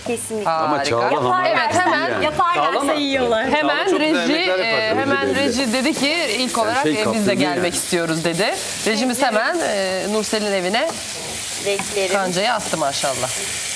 Kesinlikle. Ama Çağla hamar. Evet, hemen Yaparlarsa yiyorlar. Hemen çok güzel reji yemekler yapar, hemen belli. reji dedi ki ilk olarak şey biz de kaptırdın gelmek yani. istiyoruz dedi. Rejimiz hemen Nursel'in evine Renklerim. kancayı attı maşallah.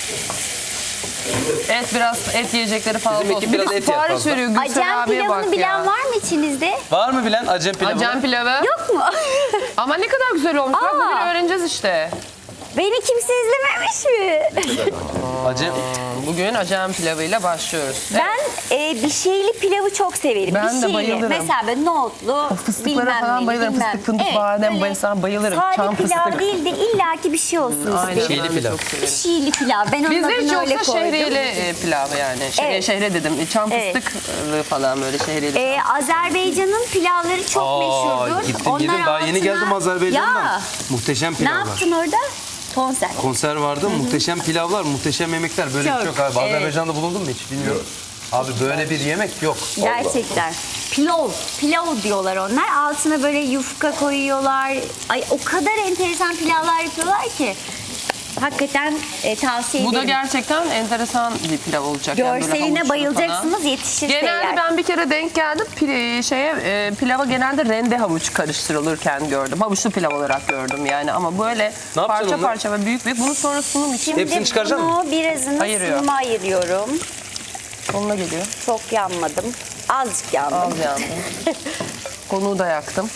Et yiyecekleri fazla Bizim olsun. ekip Bir de biraz et yer sipariş fazla. veriyor Gülsen Acem abiye pilavını bak bilen ya. var mı içinizde? Var mı bilen Acem pilavı? Acem pilavı. Yok mu? Ama ne kadar güzel olmuş. Bak Aa. bugün öğreneceğiz işte. Beni kimse izlememiş mi? Acem. Bugün Acem pilavıyla başlıyoruz. Ben bir şeyli pilavı çok severim. Ben bir de şeyli. bayılırım. Mesela böyle nohutlu, Fıstıklara bilmem falan neli, bayılırım. bilmem. Fıstık, fındık, Evet, badem, böyle bayılsam bayılırım. Sade Çam pilav fıstık. değil de illaki bir şey olsun Aynen. isterim. ben de pilav. çok severim. Şeyli pilav. Ben onun Bizde hiç adını öyle yoksa koydum. şehriyeli pilav yani. Evet. Şehre dedim. Çam Evet. fıstıklı falan böyle şehriyeli. Azerbaycan'ın pilavları çok meşhurdur. Gittim yedim. Daha yeni geldim Azerbaycan'dan. Ya, Muhteşem ne pilavlar. yaptın orada? Konser. Konser vardı. Muhteşem pilavlar, muhteşem yemekler. Böyle bir şey yok abi. Evet. Azerbaycan'da bulundun mu hiç? Bilmiyorum. Abi böyle bir yemek yok. Gerçekten. Pilav diyorlar onlar. Altına böyle yufka koyuyorlar. Ay o kadar enteresan pilavlar yapıyorlar ki. Hakikaten tavsiye Bu da ederim. gerçekten enteresan bir pilav olacak. Yani böyle Görseline havuçlu bayılacaksınız falan. yetişirse Genelde eğer. ben bir kere denk geldim. Pilava genelde rende havuç karıştırılırken gördüm. Havuçlu pilav olarak gördüm yani. Ama böyle Ne yapacaksın parça onları? parça ve büyük büyük. Bunu sonra sunum için Şimdi Hepsini çıkaracak bunu birazını Ayırıyor. sunuma ayırıyorum. sonuna geliyor. Çok yanmadım. Azıcık yandım. Az yandım. Konuğu da yaktım.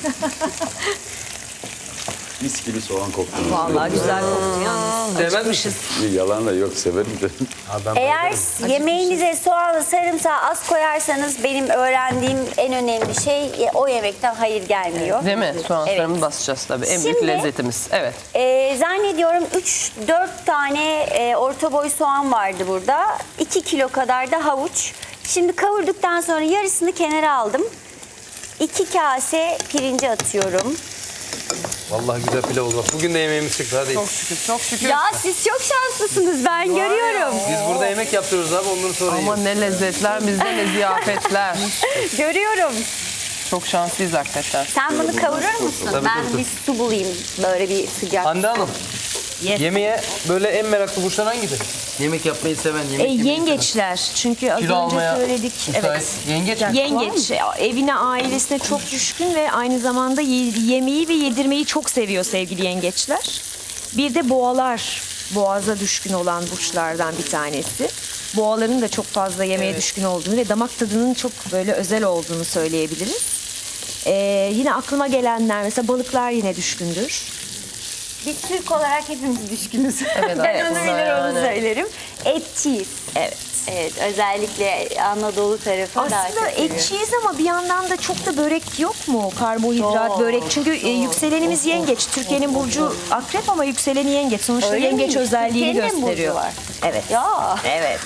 Mis gibi soğan koktu. Vallahi güzel koktu yalnız. Sevmez misin? Yalan da yok, severim de. Abi ben Eğer bayılırım. yemeğinize soğanı, sarımsağı az koyarsanız benim öğrendiğim en önemli şey o yemekten hayır gelmiyor. Değil mi? Soğan Evet. sarımı basacağız tabii. En büyük Şimdi- lezzetimiz. Evet. Zannediyorum 3-4 tane orta boy soğan vardı burada. 2 kilo kadar da havuç. Şimdi kavurduktan sonra yarısını kenara aldım. 2 kase pirinci atıyorum. Vallahi güzel pilav oldu. Bak bugün de yemeğimiz çıktı. Hadi. Çok şükür, çok şükür. Ya siz çok şanslısınız ben görüyorum. Biz burada yemek yaptırıyoruz abi. Ondan sonra Ama yiyoruz. ne lezzetler bizde ne ziyafetler. Görüyorum. Çok şanslıyız hakikaten. Sen bunu kavurur musun? Tabii, Ben tabii. bir su bulayım böyle bir sıcak. Hande Hanım. Yes. Yemeğe böyle en meraklı burçlar hangisi? Yemek yapmayı seven, yemek yemeyi seven. Yengeçler. Çünkü az Kilo önce almaya söyledik. müsait. Evet. Yengeç mi? Yengeç evine, ailesine çok düşkün ve aynı zamanda yemeği ve yedirmeyi çok seviyor sevgili yengeçler. Bir de boğalar. Boğaza düşkün olan burçlardan bir tanesi. Boğaların da çok fazla yemeğe düşkün olduğunu ve damak tadının çok böyle özel olduğunu söyleyebiliriz. Yine aklıma gelenler mesela balıklar yine düşkündür. Biz Türk olarak hepimiz düşkünüz. Evet, ben evet, onu buna bilir onu yani. söylerim. Etçiyiz. Evet. Evet, özellikle Anadolu tarafı daha Aslında çok seviyorum. etçiyiz ama bir yandan da çok da börek yok mu? Karbonhidrat, Çok, börek. Çünkü yükselenimiz yengeç. Türkiye'nin burcu akrep ama yükseleni yengeç. Sonuçta Öyle yengeç mi? özelliğini Türkiye'nin de mi burcu gösteriyor. var? Evet. Ya Evet.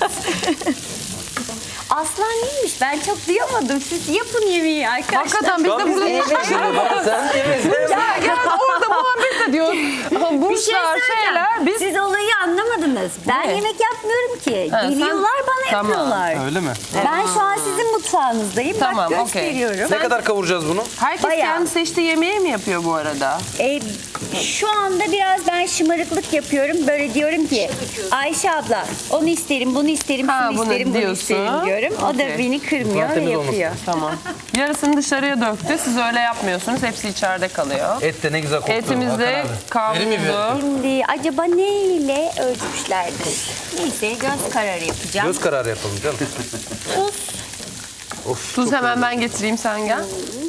aslan neymiş? Ben çok duyamadım. Siz yapın yemeği arkadaşlar. Hakikaten biz de burada ya orada muhabbet ediyoruz. Bir şey Burçlar, şeyler. Biz Siz olayı anlamadınız. Ben Ne? yemek yapmıyorum ki. Ha, sen- Geliyorlar bana Tamam. yapıyorlar. Öyle mi? Ben şu an sizin mutfağınızdayım. Tamam, Bak okey. gösteriyorum. Ne kadar kavuracağız bunu? herkes Bayağı. kendi seçtiği yemeği mi yapıyor bu arada? Şu anda biraz ben şımarıklık yapıyorum. Böyle diyorum ki Ayşe abla onu isterim, bunu isterim, Ha, şunu bunu isterim, bunu diyorsun. isterim diyorum. O da Okey. beni kırmıyor ve Temiz olmasın. yapıyor. Tamam. Yarısını dışarıya döktü. Siz öyle yapmıyorsunuz. Hepsi içeride kalıyor. Et de ne güzel koktu. Etimiz Hakan de abi. Verir mi bir? kavruldu. Şimdi acaba neyle ölçmüşlerdir? Neyse göz kararı yapacağım. Göz kararı yapalım canım. Tuz hemen ben getireyim, sen gel.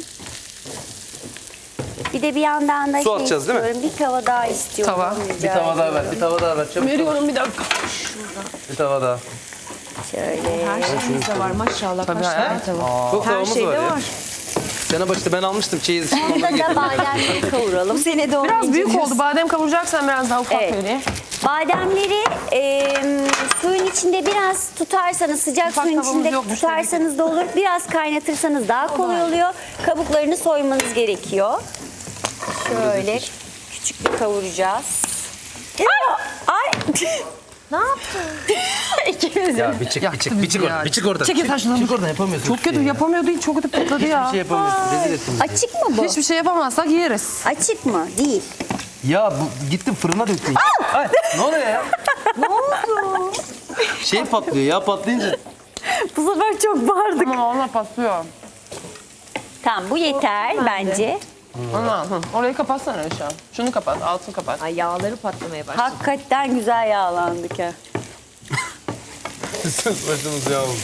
Bir de bir yandan da Su atacağız, değil mi? istiyorum. Bir tava daha istiyorum. Tava. Bir tava daha ver. Bir tava daha ver. Çabuk. Veriyorum bir dakika. Bir tava daha. Şöyle. Her şeyimiz de var maşallah. Tabii Kaç tane hayatım. tavuk. Çok Her tavamız şeyde var ya. var. Sene başta ben almıştım çeyiz. Burada da bademleri kavuralım. Bu sene de onu Biraz büyük inceliyoruz. oldu. Badem kavuracaksan biraz daha ufak Evet. vereyim. Bademleri suyun içinde biraz tutarsanız, sıcak Ufak suyun tavuğumuz içinde yokmuş, tutarsanız da olur. Biraz kaynatırsanız daha kolay oluyor. Kabuklarını soymanız gerekiyor. Şöyle küçük bir kavuracağız. Ay! Ne yaptın? İkimiz de. Ya bir çık, Yaktı bir çık, bir bizi çık ya. oradan. Bir çık oradan. Çekil taşını. Çık oradan yapamıyorsun. Çok kötü yapamıyor değil. Çok kötü patladı ya. Bir şey yapamıyorsun. Rezil ettin bizi. Açık mı bu? Hiçbir şey yapamazsak yeriz. Açık mı? Değil. Ya bu gittin fırına döktün. Ay, ne oluyor ya? Ne oldu? Şey patlıyor ya, patlayınca. Bu sefer çok bağırdık. Ama ona patlıyor. Tamam bu yeter bence. Ama orayı kapatsana Ayşe. Şunu kapat, altını kapat. Ay yağları patlamaya başladı. Hakikaten güzel yağlandık ha. Başımız yağ oldu.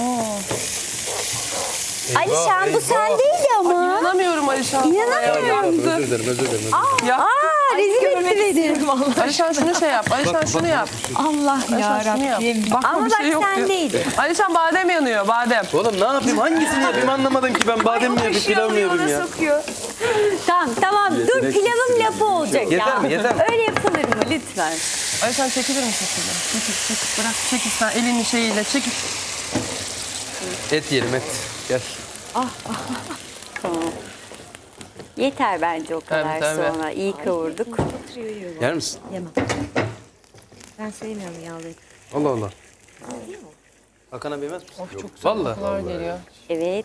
Alişan bu sendeydi ama. İnanamıyorum Ayşe. İnanamıyorum. Özür dilerim. Ya. Aa rezil etti beni. Ayşe şunu şey yap. Ayşe şunu yap. Allah Ayşe şunu yap. Bakma Ama bir bak şey yok diyor. sendeydi. Alişan badem yanıyor, badem. Oğlum ne yapayım? Hangisini yapayım anlamadım ki ben. Badem mi yapayım, pilav mı yapayım ya? Tamam dur Yetenek pilavın istedim. lafı olacak Yeter ya. mi, yeter mi? Öyle yapılır mı lütfen? Ayşe çekilir misin şuradan? Çekil, bırak, çekil sen elinin şeyiyle, çekil. Et yiyelim et. Gel. Yeter bence o kadar Tabii, tabii. sonra. İyi kavurduk. Yer misin? Yemem. Ben sevmiyorum yağlı et. Allah Allah. Hakan abi yemez misin? Çok güzel. Valla. Kokular geliyor. Evet.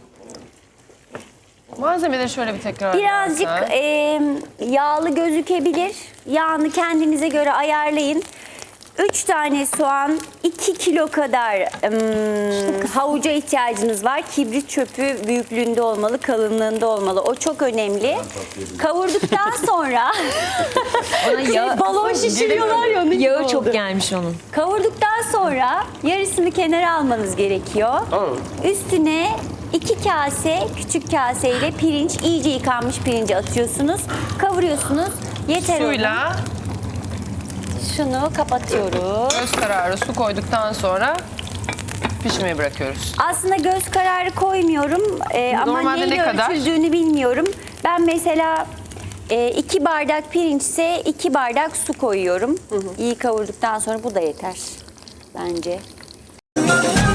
Malzemeleri şöyle bir tekrar Birazcık versen. yağlı gözükebilir. Yağını kendinize göre ayarlayın. 3 tane soğan, 2 kilo kadar havuca ihtiyacınız var. Kibrit çöpü büyüklüğünde olmalı, kalınlığında olmalı. O çok önemli. Kavurduktan sonra balon şişiriyorlar ya onun gibi Yağı oldu. çok gelmiş onun. Kavurduktan sonra yarısını kenara almanız gerekiyor. Üstüne 2 kase küçük kaseyle pirinç, iyice yıkanmış pirinci atıyorsunuz. Kavuruyorsunuz. Yeter onun. Suyla Şunu kapatıyoruz. göz kararı su koyduktan sonra pişmeye bırakıyoruz. Aslında göz kararı koymuyorum ama Normalde neyle ne kadar? ölçüldüğünü bilmiyorum. Ben mesela 2 bardak pirinçse 2 bardak su koyuyorum. İyi kavurduktan sonra bu da yeter bence.